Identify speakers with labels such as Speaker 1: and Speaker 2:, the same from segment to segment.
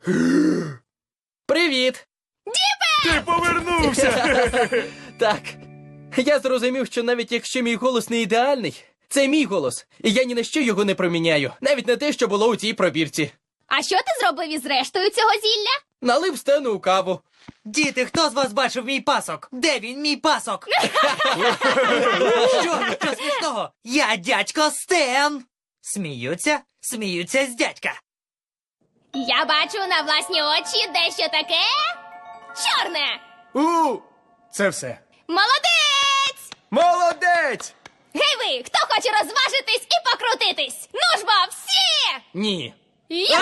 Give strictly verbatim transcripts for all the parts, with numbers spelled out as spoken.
Speaker 1: Привіт!
Speaker 2: Ти повернувся!
Speaker 1: Так, я зрозумів, що навіть якщо мій голос не ідеальний, це мій голос, і я ні на що його не проміняю, навіть на те, що було у цій пробірці.
Speaker 3: А що ти зробив із рештою цього зілля?
Speaker 1: Налив Стену у каву.
Speaker 4: Діти, хто з вас бачив мій пасок? Де він, мій пасок? Що? Що смішного? Я дядько Стен! Сміються? Сміються з дядька.
Speaker 3: Я бачу на власні очі дещо таке чорне.
Speaker 2: У, це все.
Speaker 3: Молодець!
Speaker 2: Молодець!
Speaker 3: Гей ви, хто хоче розважитись і покрутитись? Ну ж бо, всі!
Speaker 1: Ні.
Speaker 3: Я!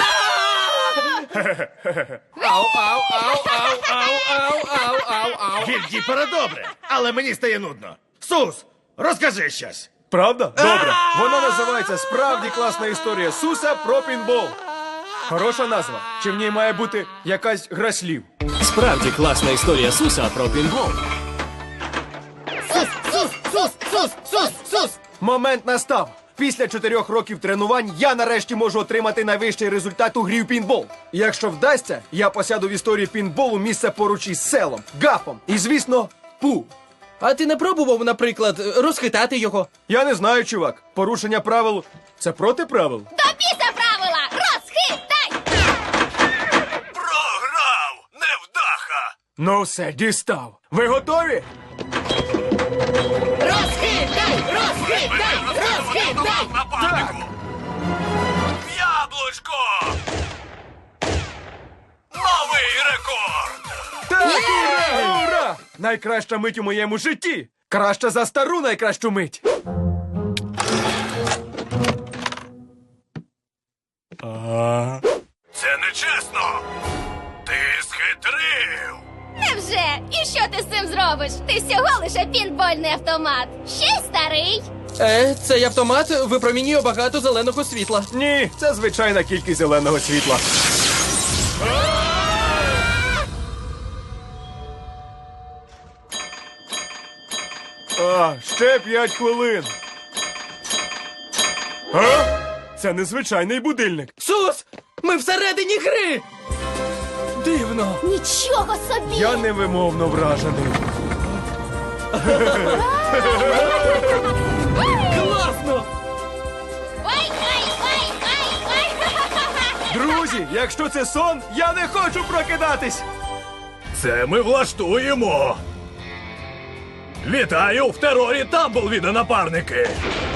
Speaker 1: Ау, ау, ау, ау, ау, ау, ау, ау, ау.
Speaker 5: Гільдіпера добре, але мені стає нудно. Сус, розкажи щось.
Speaker 2: Правда? Добре. Вона називається «Справді класна історія Суса про пінбол». Хороша назва. Чи в ній має бути якась гра слів?
Speaker 6: Справді класна історія Суса про пінбол.
Speaker 1: Сус, сус, сус, сус, сус, сус.
Speaker 2: Момент настав. Після чотирьох років тренувань я нарешті можу отримати найвищий результат у грі в пінбол. І якщо вдасться, я посяду в історії пінболу місце поруч із селом, гафом і, звісно, пу.
Speaker 1: А ти не пробував, наприклад, розхитати його?
Speaker 2: Я не знаю, чувак. Порушення правил – це проти правил?
Speaker 3: До біса правила! Розхитай!
Speaker 5: Програв! Невдаха!
Speaker 2: Ну все, дістав. Ви готові?
Speaker 1: Розхитай! Розхитай! Розхитай!
Speaker 5: Нападнику! Яблучко! Новий рекорд!
Speaker 2: Так, ура, ура! Найкраща мить у моєму житті! Краща за стару найкращу мить!
Speaker 5: Це нечесно! Ти схитрив!
Speaker 3: Невже? І що ти з цим зробиш? Ти всього лише пінбольний автомат. Ще й старий.
Speaker 1: Е, цей автомат випромінює багато зеленого світла.
Speaker 2: Ні, це звичайна кількість зеленого світла. А, ще п'ять хвилин. А? Це незвичайний будильник.
Speaker 1: Сус! Ми всередині гри! Дивно.
Speaker 3: Нічого собі!
Speaker 2: Я невимовно вражений.
Speaker 1: Класно!
Speaker 3: Ой, ой, ой, ой, ой!
Speaker 2: Друзі, якщо це сон, я не хочу прокидатись.
Speaker 5: Це ми влаштуємо! Вітаю в терорі Тамблвіда, напарники!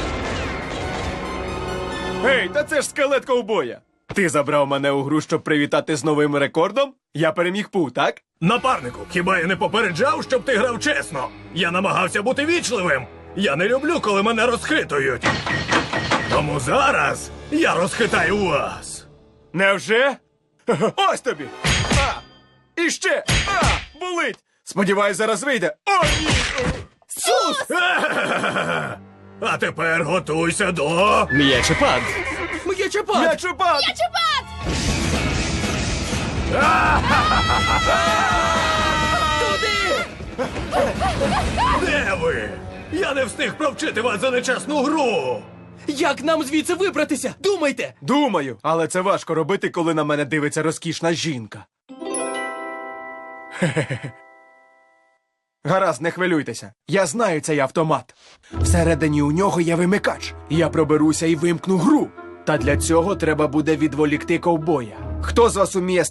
Speaker 2: Гей, та це ж скелет ковбоя. Ти забрав мене у гру, щоб привітати з новим рекордом? Я переміг Пу, так?
Speaker 5: Напарнику, хіба я не попереджав, щоб ти грав чесно? Я намагався бути вічливим. Я не люблю, коли мене розхитують. Тому зараз я розхитаю вас.
Speaker 2: Невже? Ось тобі! А! І ще! А! Болить! Сподіваюсь, зараз вийде. О, ні!
Speaker 1: Сус!
Speaker 5: А тепер готуйся до...
Speaker 6: М'ячепад.
Speaker 1: М'ячепад!
Speaker 2: М'ячепад!
Speaker 3: Чупат!
Speaker 1: Туди!
Speaker 5: Де ви? Я не встиг провчити вас за нечесну гру.
Speaker 1: Як нам звідси вибратися? Думайте!
Speaker 2: Думаю, але це важко робити, коли на мене дивиться розкішна жінка. Хе-хе-хе. Гаразд, не хвилюйтеся. Я знаю цей автомат. Всередині у нього є вимикач. Я проберуся і вимкну гру. Та для цього треба буде відволікти ковбоя. Хто з вас уміє